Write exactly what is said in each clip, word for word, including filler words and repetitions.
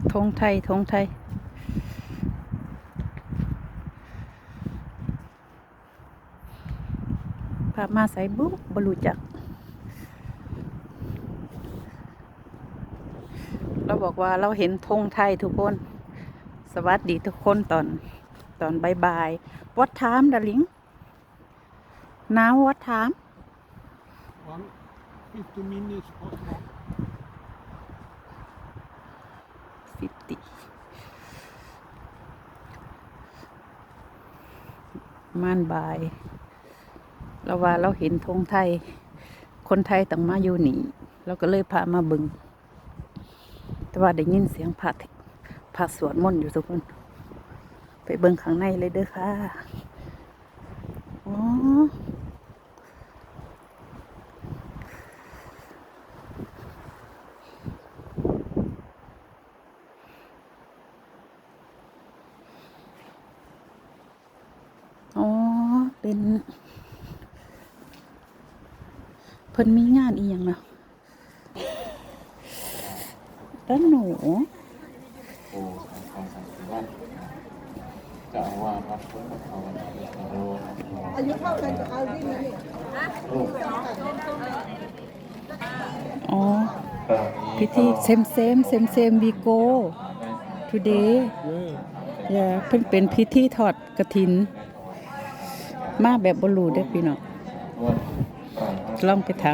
ธงไทยธงไทยพามาใส่บุ๊บบรูจักเราบอกว่าเราเห็นธงไทยทุกคนสวัสดีทุกคนตอนตอนบายๆวัดถามดาลิงน้าววัดถาม one fifty minutes hot walk ฟิฟตี้ม่านบายเราว่าเราเห็นธงไทยคนไทยต้องมาอยู่นี่เราก็เลยพามาบึงแต่ว่าได้ยินเสียงพระพระสวดมนต์อยู่ทุกคนไปเบิ่งข้างในเลยเด้อค่ะอ๋ออ๋อเป็นเพิ่นมีงานอีหยังเนาะด้านหนูโอ้ทางสันติวัฒน์จะเอาว่าวัดพุทธภาวนาวิสโรอายุเท่ากันจะเอาที่ไหนอ๋อพิธีเซมเซมเซมเซมวีโก้ today อย่าเพิ่นเป็นพิธีทอดกฐินมาแบบบ่รู้เด้อพี่น้องลองไปถาม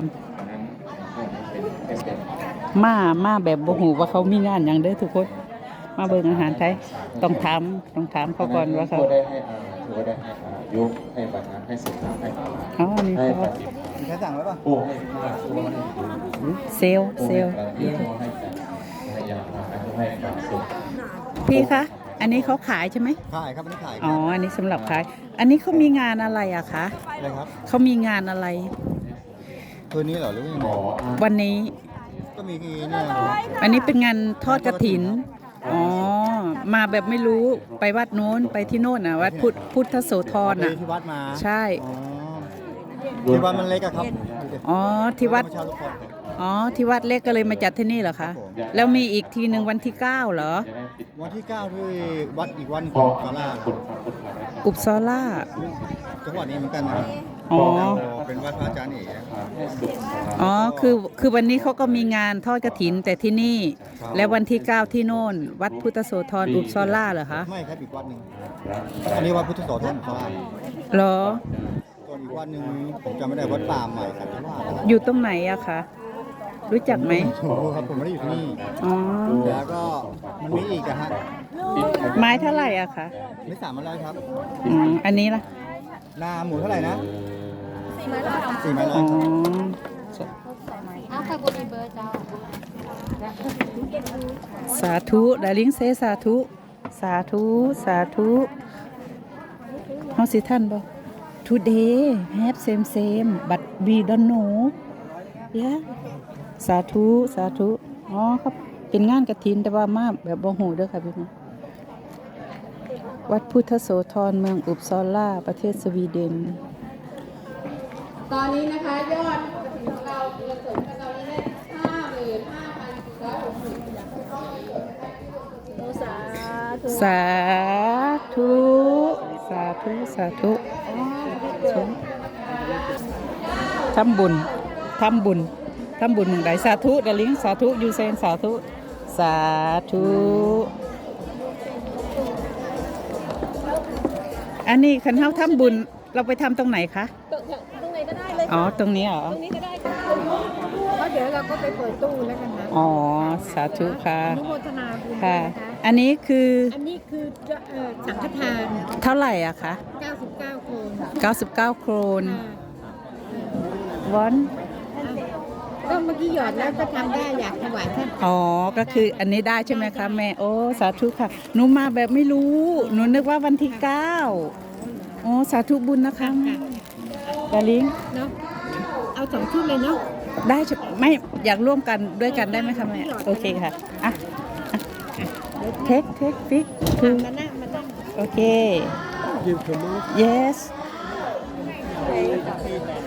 มามาแบบบ่ฮู้ว่าเขามีงานหยังเด้อทุกคนมาเบิ่งอาหารไทยต้องถามต้องถามเขาก่อนว่าเขาได้ให้อาถือว่าได้ให้อายุให้บัตรให้สิทธิ์ให้อ๋อนี่เขาใครสั่งไว้ป่ะโอ้ให้ตัวให้เซลเซลเลี้ยงให้ให้ยาให้การสุขพี่คะอันนี้เขาขายใช่ไหมขายครับอันนี้ขายอ๋ออันนี้สำหรับขายอันนี้เขามีงานอะไรอะคะอะไรครับเขามีงานอะไรตัวนี้เหรอหรือว่ายังไงวันนี้ก็มีเนี่ยอันนี้เป็นงานทอดกฐินอ๋อมาแบบไม่รู้ไปวัดโน้นไปที่โน่นน่ะวัดพุทธพุทธโสธรน่ะที่วัดมาใช่ที่วัดมันเล็กอะครับอ๋อที่วัดอ๋อที่วัดเล็กก็เลยมาจัดที่นี่เหรอคะแล้วมีอีกทีหนึ่งวันที่เก้าเหรอวันที่เก้าที่วัดอีกวันของซาร่าอุปซอล่าจังหวัดนี้เหมือนกันนะอ๋อเป็นวัดพระอาจารย์เอกอ๋อคือคือวันนี้เขาก็มีงานทอดกฐินแต่ที่นี่แล้ววันที่เก้าที่โน่นวัดพุทธโสธรอุปซอล่าเหรอคะไม่ครับอีกวัดหนึ่งอันนี้วัดพุทธโสธรอุปซอล่าเหรอส่วนอีกวัดหนึ่งผมจำไม่ได้วัดป่าใหม่สันติวาสอยู่ตรงไหนอะคะรู้จักไหมครับผมไม่ได้อยู่ที่นี่อ๋อแล้วก็มันมีอีกอะฮะไม้เท่าไหร่อะคะไม่สามร้อยครับอืมอันนี้ล่ะนาหมูเท่าไหร่นะสี่ไม้ร้อยสี่ไม้ร้อยอ๋ออ้าวใครบุรีเบอร์จ้าสาธุดาริงเซสาธุสาธุสาธุเฮาสิท่านบ่ today have same same but we don't know yeah สาธุสาธุอ๋อครับเป็นงานกฐินแต่ว่ามาแบบบ่ฮู้เด้อค่ะพี่น้องวัดพุทธโสธรเมืองอุปซอล่าประเทศสวีเดนตอนนี้นะคะยอดของเราเงินสดของเราได้ห้าหมื่นห้าพันร้อยหกสิบสาธุสาธุสาธุสาธุทำบุญทำบุญทำบุญใดสาธุเดลิงสาธุยูเซนสาธุสาธุอันนี้คันเฮาทำบุญเราไปทำตรงไหนคะตรงไหนก็ได้เลยอ๋อตรงนี้เหรอตรงนี้ก็ได้ค่ะเพราะเดี๋ยวเราก็ไปเปิดตู้แล้วกันนะอ๋อสาธุค่ะอนุโมทนาบุญค่ะอันนี้คืออันนี้คือสังฆทานเท่าไหร่อะคะเก้าสิบเก้าโครนเก้าสิบเก้าโครนวันก็เมื่อกี้หยอดแล้วก็ทำได้อยากถวายท่านอ๋อก็คืออันนี้ได้ใช่ไหมคะแม่โอ้สาธุค่ะหนูมาแบบไม่รู้หนูนึกว่าวันที่เก้าโอ้สาธุบุญนะคะดาลิงเนาะเอาสองชุดเลยเนาะได้ไม่อยากร่วมกันด้วยกันได้ไหมคะแม่โอเคค่ะอ่ะเทคเทคฟิกคือมานั่งมานั่งโอเค yes